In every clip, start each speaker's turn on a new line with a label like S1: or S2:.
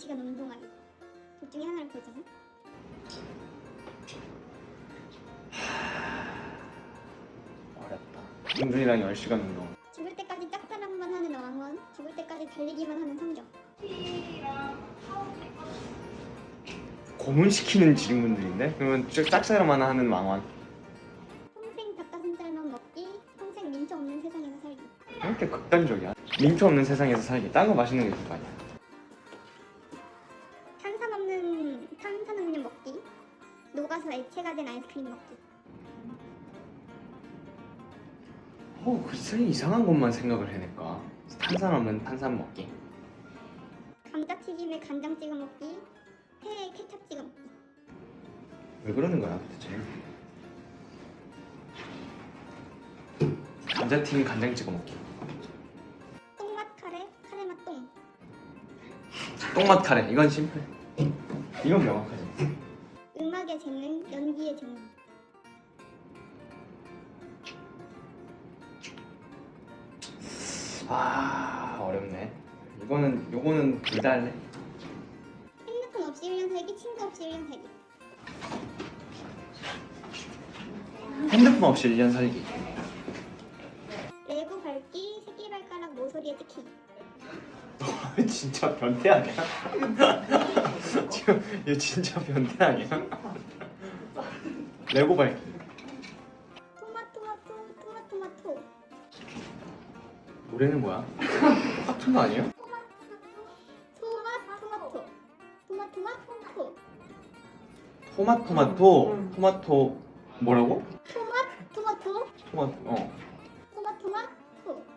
S1: 10시간 운동하기. 둘 중에 하나를 고르잖아.
S2: 어렵다. 은근이랑 10시간 운동.
S1: 죽을 때까지 짝사랑만 하는 왕원, 죽을 때까지 달리기만 하는 성적.
S2: 고문시키는 질문들인데? 그러면 짝사랑만 하는 왕왕.
S1: 평생 닭가슴살만 먹기, 평생 민초 없는 세상에서 살기.
S2: 왜 이렇게 극단적이야? 민초 없는 세상에서 살기. 딴 거 맛있는 게 있을 거 아니야.
S1: 탄산음료 먹기, 녹아서 액체가 된 아이스크림 먹기.
S2: 글쎄 이상한 것만 생각을 해낼까. 탄산하면 탄산 먹기.
S1: 감자튀김에 간장 찍어 먹기, 회에 케찹 찍어 먹기.
S2: 왜 그러는 거야 도대체? 감자튀김 간장 찍어 먹기.
S1: 똥맛 카레, 카레맛 똥.
S2: 똥맛 카레. 이건 심플해. 이건 명확하지.
S1: 음악의 재능, 연기의 재능.
S2: 어렵네. 요거는 둘 다 할래.
S1: 핸드폰 없이 1년 살기, 친구 없이 1년 살기.
S2: 핸드폰 없이 1년 살기.
S1: 레고 밟기, 새끼발가락 모서리에 찍히.
S2: 진짜 변태 아니야? 지금 얘 진짜 변태 아니야? 레고 밟기.
S1: 토마토마토.
S2: 노래는 뭐야? 똑같은 거 아니에요?
S1: 토마토마토.
S2: 토마토 뭐라고?
S1: 토마토. 토마토마토.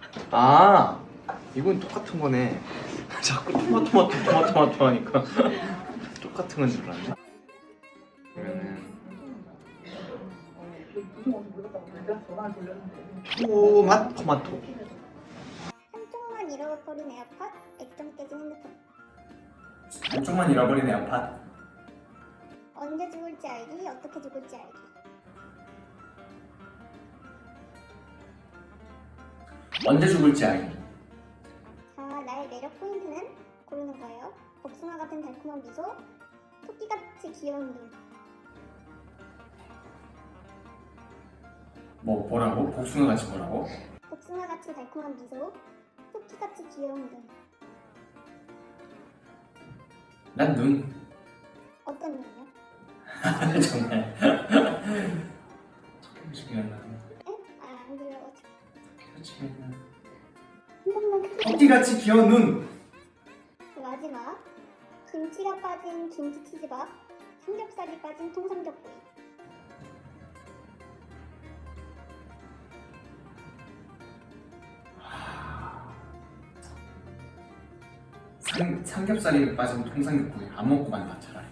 S2: 이건 똑같은 거네. 자꾸 토마토 하니까 똑같은 건 줄 알았네. 그러면은 토마토.
S1: 한쪽만 잃어버린 에어팟, 액정 깨진 핸드폰.
S2: 한쪽만 잃어버린 에어팟.
S1: 언제 죽을지 알기, 어떻게 죽을지 알기.
S2: 언제 죽을지 알기.
S1: 자, 나의 매력 포인트는 고르는 거예요. 복숭아 같은 달콤한 미소, 토끼같이 귀여운 눈.
S2: 뭐라고? 복숭아 같이 뭐라고?
S1: 복숭아같이 달콤한 미소, 토끼같이 귀여운 눈.
S2: 난 눈.
S1: 어떤 눈이요?
S2: 정말. 중요한 거.
S1: 응? 안 들려가지고.
S2: 토끼같이 귀여운 눈.
S1: 마지막, 김치가 빠진 김치치즈밥, 삼겹살이 빠진 통삼겹구이.
S2: 삼겹살이 빠진 통삼겹구이 안 먹고 만다 차라리.